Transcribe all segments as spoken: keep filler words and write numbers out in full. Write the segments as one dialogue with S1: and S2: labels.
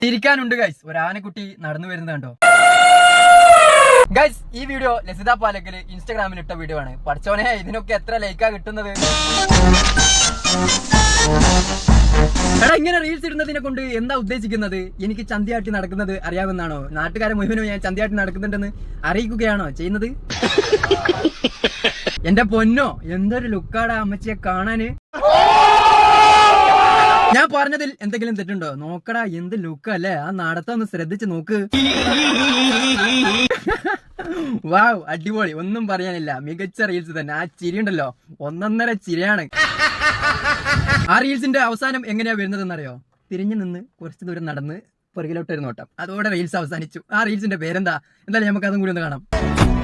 S1: തിരിക്കാനുണ്ട് guys. ഒരു ആനക്കുട്ടി നടന്നു വരുന്നത് കണ്ടോ ഗൈസ്? ഈ വീഡിയോ ലസിത പാലക്കല് ഇൻസ്റ്റാഗ്രാമിൽ ഇട്ട വീഡിയോ ആണ്. പഠിച്ചോനെ, ഇതിനൊക്കെ എത്ര ലൈക്കാ കിട്ടുന്നത്? എടാ, ഇങ്ങനെ റീൽസ് ഇടുന്നതിനെ കൊണ്ട് എന്താ ഉദ്ദേശിക്കുന്നത്? എനിക്ക് ചന്തിയാട്ടി നടക്കുന്നത് അറിയാവുന്നതാണോ? നാട്ടുകാരെ മുഴുവനും ഞാൻ ചന്തിയാട്ടി നടക്കുന്നുണ്ടെന്ന് അറിയിക്കുകയാണോ ചെയ്യുന്നത്? എന്റെ പൊന്നോ, എന്തൊരു ലുക്കാടാ അമ്മച്ചിയെ കാണാന്. ഞാൻ പറഞ്ഞതിൽ എന്തെങ്കിലും തെറ്റുണ്ടോ? നോക്കടാ, എന്ത് ലുക്കല്ലേ. ആ നടത്തം ഒന്ന് ശ്രദ്ധിച്ച് നോക്ക്. വാവ്, അടിപൊളി, ഒന്നും പറയാനില്ല. മികച്ച റീൽസ് തന്നെ. ആ ചിരി ഉണ്ടല്ലോ, ഒന്നൊന്നര ചിരിയാണ്. ആ റീൽസിന്റെ അവസാനം എങ്ങനെയാ വരുന്നതെന്നറിയോ? തിരിഞ്ഞു നിന്ന് കുറച്ചു ദൂരം നടന്ന് പുറകിലോട്ട് ഒരു നോട്ടം, അതോടെ റീൽസ് അവസാനിച്ചു. ആ റീൽസിന്റെ പേരെന്താ? എന്തായാലും നമുക്ക് അതും കൂടി ഒന്ന് കാണാം.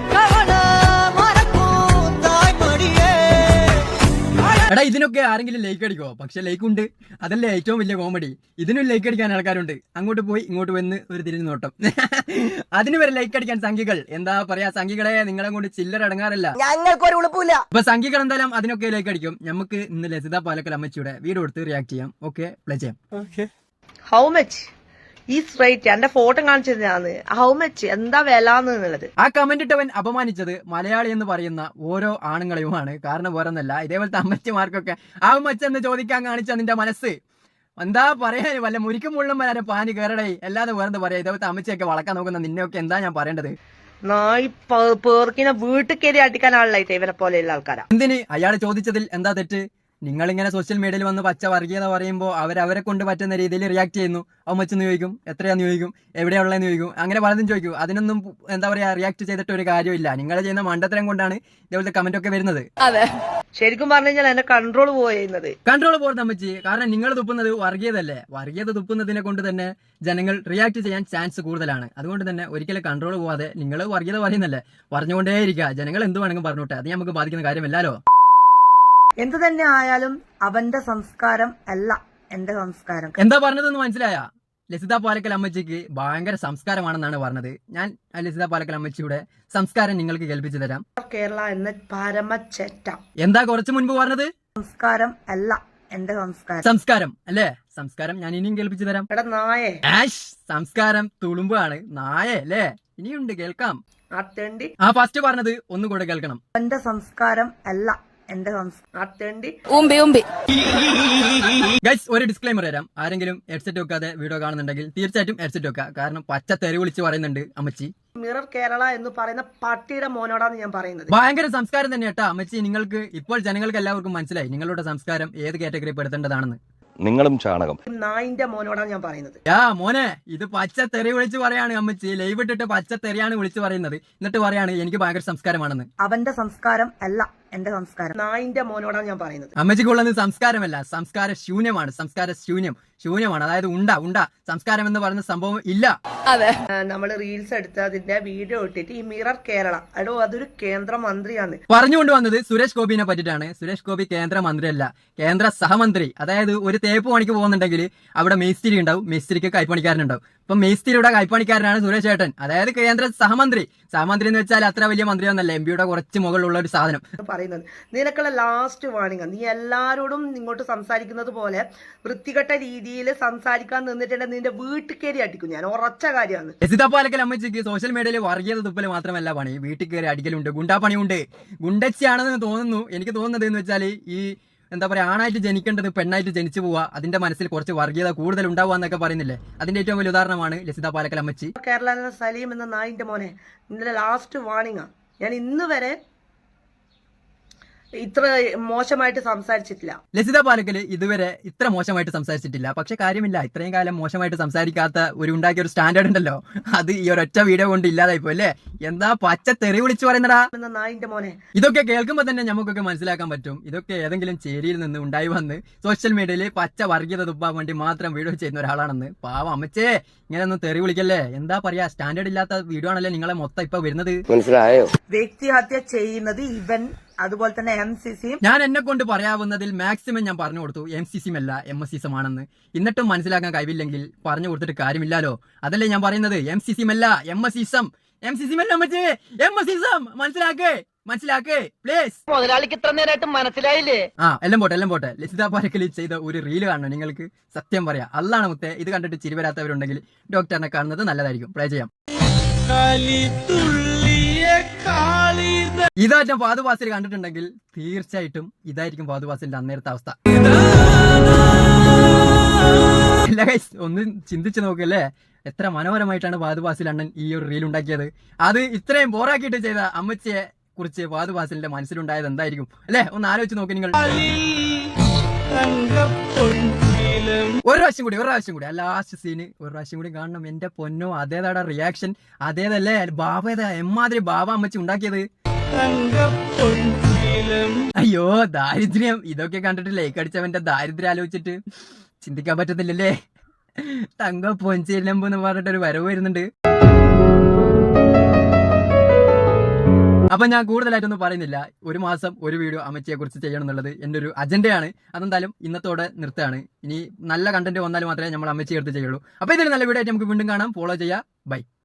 S1: എടാ, ഇതിനൊക്കെ ആരെങ്കിലും ലൈക്ക് അടിക്കോ? പക്ഷെ ലൈക്ക് ഉണ്ട്, അതല്ലേ ഏറ്റവും വലിയ കോമഡി. ഇതിനും ലൈക്ക് അടിക്കാൻ ആൾക്കാരുണ്ട്. അങ്ങോട്ട് പോയി ഇങ്ങോട്ട് വന്ന് ഒരു തിരിഞ്ഞു നോട്ടം. അതിന് വരെ ലൈക്ക് അടിക്കാൻ സംഖ്യകൾ. എന്താ പറയാ, സംഖ്യകളെ നിങ്ങളെ കൊണ്ട് ചില്ലറ അടങ്ങാറില്ല.
S2: ഞങ്ങൾക്കൊരു ഉളുപ്പില്ല.
S1: അപ്പൊ സംഖ്യകൾ എന്തായാലും അതിനൊക്കെ ലൈക്ക് അടിക്കും. നമുക്ക് ഇന്ന് ലസിത പാലക്കൽ അമ്മച്ചിയുടെ വീഡിയോ എടുത്ത് റിയാക്ട് ചെയ്യാം. ഓക്കെ, പ്ലേ ചെയ്യാം.
S2: How much is rate? എന്റെ ഫോട്ടോ കാണിച്ചതാണ്. ഹൗ മച്ച്, എന്താ വില എന്നുള്ളത്.
S1: ആ കമന്റ് ഇട്ടവൻ അപമാനിച്ചത് മലയാളി എന്ന് പറയുന്ന ഓരോ ആണുങ്ങളെയുമാണ്. കാരണം വേറൊന്നല്ല, ഇതേപോലത്തെ അമ്മച്ചിമാർക്കൊക്കെ ആ മച്ച് എന്ന് ചോദിക്കാൻ കാണിച്ച നിന്റെ മനസ്സ് എന്താ പറയാ? വല്ല മുരിക്കും മുള്ളും വരാൻ പാനി കയറടേ, അല്ലാതെ വേറെന്താ പറയാ? ഇതേപോലത്തെ അമ്മച്ചിയൊക്കെ വളക്കാൻ നോക്കുന്ന നിന്നെയൊക്കെ എന്താ ഞാൻ പറയേണ്ടത്?
S2: നായി പേർക്കിനെ വീട്ടിൽ കയറി അടിക്കാനാളായിട്ട് ഇവനെ പോലെയുള്ള ആൾക്കാരാ.
S1: എന്തിന്? അയാൾ ചോദിച്ചതിൽ എന്താ തെറ്റ്? നിങ്ങളിങ്ങനെ സോഷ്യൽ മീഡിയയിൽ വന്ന് പച്ച വർഗീയത പറയുമ്പോൾ അവരവരെ കൊണ്ട് പറ്റുന്ന രീതിയിൽ റിയാക്ട് ചെയ്യുന്നു. അമ്മച്ചെന്ന് ചോദിക്കും, എത്രയാന്ന് ചോദിക്കും, എവിടെയുള്ളതെന്ന് ചോദിക്കും, അങ്ങനെ പലതും ചോദിക്കും. അതിനൊന്നും എന്താ പറയാ, റിയാക്ട് ചെയ്തിട്ട് ഒരു കാര്യമില്ല. നിങ്ങൾ ചെയ്യുന്ന മണ്ടത്തരം കൊണ്ടാണ് ഇതേപോലത്തെ കമന്റ് ഒക്കെ വരുന്നത്.
S2: അതെ, ശരിക്കും പറഞ്ഞു കഴിഞ്ഞാൽ എന്റെ കൺട്രോൾ പോയിരുന്നത്.
S1: കൺട്രോൾ പോകുന്ന അമ്മച്ചി, കാരണം നിങ്ങൾ തുപ്പുന്നത് വർഗീയതല്ലേ. വർഗീയത തുപ്പുന്നതിനെ കൊണ്ട് തന്നെ ജനങ്ങൾ റിയാക്ട് ചെയ്യാൻ ചാൻസ് കൂടുതലാണ്. അതുകൊണ്ട് തന്നെ ഒരിക്കലും കൺട്രോൾ പോവാതെ നിങ്ങൾ വർഗീയത പറയുന്നല്ലേ, പറഞ്ഞുകൊണ്ടേയിരിക്കുക. ജനങ്ങൾ എന്ത് വേണമെങ്കിലും പറഞ്ഞോട്ടെ, അത് നമുക്ക് ബാധിക്കുന്ന കാര്യമല്ലല്ലോ.
S2: എന്ത് തന്നെ ആയാലും അവന്റെ സംസ്കാരം അല്ല എന്റെ സംസ്കാരം.
S1: എന്താ പറഞ്ഞതെന്ന് മനസ്സിലായ? ലസിത പാലക്കൽ അമ്മച്ചിക്ക് ഭയങ്കര സംസ്കാരമാണെന്നാണ് പറഞ്ഞത്. ഞാൻ ലസിത പാലക്കൽ അമ്മച്ചിയുടെ സംസ്കാരം നിങ്ങൾക്ക് കേൾപ്പിച്ചു തരാം.
S2: കേരള എന്ന പരമച്ചേറ്റ.
S1: എന്താ കുറച്ചു മുൻപ് പറഞ്ഞത്?
S2: സംസ്കാരം അല്ല എന്റെ സംസ്കാരം.
S1: സംസ്കാരം അല്ലേ? സംസ്കാരം ഞാൻ ഇനിയും കേൾപ്പിച്ചു തരാം.
S2: എടാ നായേ,
S1: ആഷ്, സംസ്കാരം തുളുമ്പാണ്. നായ അല്ലേ? ഇനിയുണ്ട്, കേൾക്കാം.
S2: ആ തെണ്ടി.
S1: ആ ഫസ്റ്റ് പറഞ്ഞത് ഒന്നുകൂടെ കേൾക്കണം.
S2: എന്റെ സംസ്കാരം അല്ല എന്റെ സംസ്കാരം.
S1: ഗൈസ്, ഒരു ഡിസ്ക്ലൈമർ തരാം. ആരെങ്കിലും ഹെഡ്സെറ്റ് വെക്കാതെ വീഡിയോ കാണുന്നുണ്ടെങ്കിൽ തീർച്ചയായിട്ടും ഹെഡ്സെറ്റ് വെക്കുക. കാരണം പച്ച തെറി വിളിച്ച് പറയുന്നുണ്ട് അമ്മച്ചി.
S2: മിറർ കേരള എന്ന് പറയുന്ന പട്ടിയുടെ മോനോടാണ് ഞാൻ പറയുന്നത്.
S1: ഭയങ്കര സംസ്കാരം തന്നെ കേട്ടാ അമ്മച്ചി. നിങ്ങൾക്ക് ഇപ്പോൾ ജനങ്ങൾക്ക് എല്ലാവർക്കും മനസ്സിലായി നിങ്ങളുടെ സംസ്കാരം ഏത് കാറ്റഗറി പെടുത്തേണ്ടതാണെന്ന്.
S3: നിങ്ങളും ചാണകം.
S2: നായിന്റെ മോനോടാണ് ഞാൻ പറയുന്നത്.
S1: യാ മോനെ, ഇത് പച്ച തെറി വിളിച്ച് പറയാണ് അമ്മച്ചി. ലൈവ് ഇട്ടിട്ട് പച്ച തെറിയാണ് വിളിച്ച് പറയുന്നത്. എന്നിട്ട് പറയാണ് എനിക്ക് ഭയങ്കര സംസ്കാരമാണെന്ന്.
S2: അവന്റെ സംസ്കാരം അല്ല എന്റെ സംസ്കാരം. നായിന്റെ മോനോടാണ് ഞാൻ പറയുന്നത്.
S1: അമ്മച്ചിക്കുള്ളത് സംസ്കാരമല്ല, സംസ്കാര ശൂന്യമാണ്. സംസ്കാര ശൂന്യം ശൂന്യമാണ്. അതായത് ഉണ്ട ഉണ്ട സംസ്കാരം എന്ന് പറയുന്ന സംഭവം ഇല്ല.
S2: അതെ, നമ്മൾ റീൽസ് എടുത്ത് അതിന്റെ വീഡിയോ ഇട്ടിട്ട് ഈ മിറർ കേരള, എടോ അതൊരു കേന്ദ്രമന്ത്രിയാണ്.
S1: പറഞ്ഞുകൊണ്ട് വന്നത് സുരേഷ് ഗോപിനെ പറ്റിയിട്ടാണ്. സുരേഷ് ഗോപി കേന്ദ്രമന്ത്രിയല്ല, കേന്ദ്ര സഹമന്ത്രി. അതായത് ഒരു തേപ്പ് പണിക്ക് പോകുന്നുണ്ടെങ്കിൽ അവിടെ മേസ്തിരി ഉണ്ടാവും, മേസ്തിരിക്ക് കൈപ്പണിക്കാരനുണ്ടാവും. ഇപ്പൊ മേസ്തിരിയുടെ കൈപ്പണിക്കാരനാണ് സുരേഷ് ഏട്ടൻ, അതായത് കേന്ദ്ര സഹമന്ത്രി. സഹമന്ത്രി എന്ന് വെച്ചാൽ അത്ര വലിയ മന്ത്രിയൊന്നല്ല, എം പിയുടെ കുറച്ച് മുകളിലുള്ള ഒരു സാധനം.
S2: പറയുന്നത് നിനക്കുള്ള ലാസ്റ്റ് വാണിംഗ്. നീ എല്ലാരോടും ഇങ്ങോട്ട് സംസാരിക്കുന്നത് പോലെ വൃത്തികെട്ട രീതിയിൽ സംസാരിക്കാൻ നിന്നിട്ടുണ്ടെങ്കിൽ നിന്റെ വീട്ടിൽ കയറി അടിക്കും ഞാൻ. ഉറച്ച കാര്യമാണ്.
S1: ലസിത പാലക്കൽ അമ്മച്ചിക്ക് സോഷ്യൽ മീഡിയയിൽ വർഗീയത തുപ്പല് മാത്രമല്ല പണി, വീട്ടിൽ കയറി അടിക്കലുണ്ട്, ഗുണ്ടാപ്പണിയുണ്ട്. ഗുണ്ടച്ചിയാണെന്ന് തോന്നുന്നു. എനിക്ക് തോന്നുന്നത് എന്ന് വെച്ചാൽ ഈ എന്താ പറയാ, ആണായിട്ട് ജനിക്കേണ്ടത് പെണ്ണായിട്ട് ജനിച്ചു പോവാ, അതിന്റെ മനസ്സിൽ കുറച്ച് വർഗീയത കൂടുതൽ ഉണ്ടാവുക എന്നൊക്കെ പറയുന്നില്ലേ. അതിന്റെ ഏറ്റവും വലിയ ഉദാഹരണമാണ് ലസിത പാലക്കൽ അമ്മച്ചി.
S2: കേരള സലീം എന്ന നായിന്റെ മോനെ, നിന്റെ ലാസ്റ്റ് വാണിംഗാ. ഞാൻ ഇന്ന് വരെ ഇത്ര മോശമായിട്ട് സംസാരിച്ചിട്ടില്ല.
S1: ലസിത പാലക്കൽ ഇതുവരെ ഇത്ര മോശമായിട്ട് സംസാരിച്ചിട്ടില്ല. പക്ഷെ കാര്യമില്ല, ഇത്രയും കാലം മോശമായിട്ട് സംസാരിക്കാത്ത ഒരു ഉണ്ടാക്കിയ ഒരു സ്റ്റാൻഡേർഡ് ഉണ്ടല്ലോ, അത് ഈ ഒരൊറ്റ വീഡിയോ കൊണ്ട് ഇല്ലാതായി പോയല്ലേ. എന്താ പച്ച തെറി വിളിച്ചു പറയുന്നടാ
S2: നായിന്റെ മോനെ.
S1: ഇതൊക്കെ കേൾക്കുമ്പോ തന്നെ നമുക്കൊക്കെ മനസ്സിലാക്കാൻ പറ്റും ഇതൊക്കെ ഏതെങ്കിലും ചേരിയിൽ നിന്ന് ഉണ്ടായി വന്ന് സോഷ്യൽ മീഡിയയിൽ പച്ച വർഗീയത തുപ്പാൻ വേണ്ടി മാത്രം വീഡിയോ ചെയ്യുന്ന ഒരാളാണെന്ന്. പാവം അമ്മച്ചേ, ഇങ്ങനെ ഒന്നും തെറി വിളിക്കല്ലേ. എന്താ പറയാ, സ്റ്റാൻഡേർഡ് ഇല്ലാത്ത വീഡിയോ ആണല്ലേ നിങ്ങളെ മൊത്തം ഇപ്പൊ വരുന്നത്.
S3: മനസ്സിലായോ?
S2: വ്യക്തിഹത്യ ചെയ്യുന്നത് ഇവൻ, അതുപോലെ തന്നെ എം സി സി.
S1: ഞാൻ എന്നെ കൊണ്ട് പറയാവുന്നതിൽ മാക്സിമം ഞാൻ പറഞ്ഞു കൊടുത്തു. എം സി സിം അല്ല എം എസ് സിസം ആണെന്ന്. എന്നിട്ടും മനസ്സിലാക്കാൻ കഴിവില്ലെങ്കിൽ പറഞ്ഞു കൊടുത്തിട്ട് കാര്യമില്ലല്ലോ. അതല്ലേ ഞാൻ പറയുന്നത്. എം സി സിം അല്ല എം എസ് സിസം. എം സി സിം അല്ല മറ്റേ എം എസ് സിസം. മനസ്സിലാക്കേ, മനസ്സിലാക്കേ പ്ലീസ്.
S3: മുതലാളിക്ക് ഇത്ര നേരമായിട്ട് മനസ്സിലായില്ലേ?
S1: ആ എല്ലാം പോട്ടെ എല്ലാം പോട്ടെ ലസിത പാരക്കൽ ചെയ്ത ഒരു റീല് കാണണം നിങ്ങൾക്ക്. സത്യം പറയാം, അല്ലാണ് മുത്തേ, ഇത് കണ്ടിട്ട് ചിരി വരാത്തവരുണ്ടെങ്കിൽ ഡോക്ടറിനെ കാണുന്നത് നല്ലതായിരിക്കും. പ്ലേ ചെയ്യാം. ഇതായിട്ടും പാതുവാസിൽ കണ്ടിട്ടുണ്ടെങ്കിൽ തീർച്ചയായിട്ടും ഇതായിരിക്കും പാതുവാസിന്റെ അന്നേരത്തെ അവസ്ഥ. അല്ല ഗൈസ്, ഒന്ന് ചിന്തിച്ചു നോക്കല്ലേ, എത്ര മനോഹരമായിട്ടാണ് പാതുവാസിൽ അണ്ണൻ ഈ ഒരു റീൽ ഉണ്ടാക്കിയത്. അത് ഇത്രയും ബോറാക്കിയിട്ട് ചെയ്ത അമ്മച്ചിയെ കുറിച്ച് പാതുവാസിലിന്റെ മനസ്സിലുണ്ടായത് എന്തായിരിക്കും അല്ലെ? ഒന്ന് ആലോചിച്ച് നോക്കി നിങ്ങൾ. ഒരു പ്രാവശ്യം കൂടി ഒരു പ്രാവശ്യം കൂടി ആ ലാസ്റ്റ് സീന് ഒരു പ്രാവശ്യം കൂടി കാണണം. എന്റെ പൊന്നോ, അതേതാടാ റിയാക്ഷൻ, അതേതല്ലേ ബാബ, ഏതാ എമ്മാതിരി ബാബ അമ്മച്ചി ഉണ്ടാക്കിയത്. അയ്യോ ദാരിദ്ര്യം, ഇതൊക്കെ കണ്ടിട്ട് ലൈക്ക് അടിച്ചവന്റെ ദാരിദ്ര്യം ആലോചിച്ചിട്ട് ചിന്തിക്കാൻ പറ്റത്തില്ലല്ലേ. തങ്ക പൊഞ്ചിലമ്പ് എന്ന് പറഞ്ഞിട്ടൊരു വരവ് വരുന്നുണ്ട്. അപ്പൊ ഞാൻ കൂടുതലായിട്ടൊന്നും പറയുന്നില്ല. ഒരു മാസം ഒരു വീഡിയോ അമ്മച്ചിയെ കുറിച്ച് ചെയ്യണം എന്നുള്ളത് എന്റെ ഒരു അജണ്ടയാണ്. അതെന്തായാലും ഇന്നത്തോടെ നിർത്തുകയാണ്. ഇനി നല്ല കണ്ടന്റ് വന്നാൽ മാത്രമേ നമ്മൾ അമ്മച്ചിയെ എടുത്ത് ചെയ്യുള്ളൂ. അപ്പൊ ഇതിൽ നല്ല വീഡിയോ ആയിട്ട് നമുക്ക് വീണ്ടും കാണാം. ഫോളോ ചെയ്യാം. ബൈ.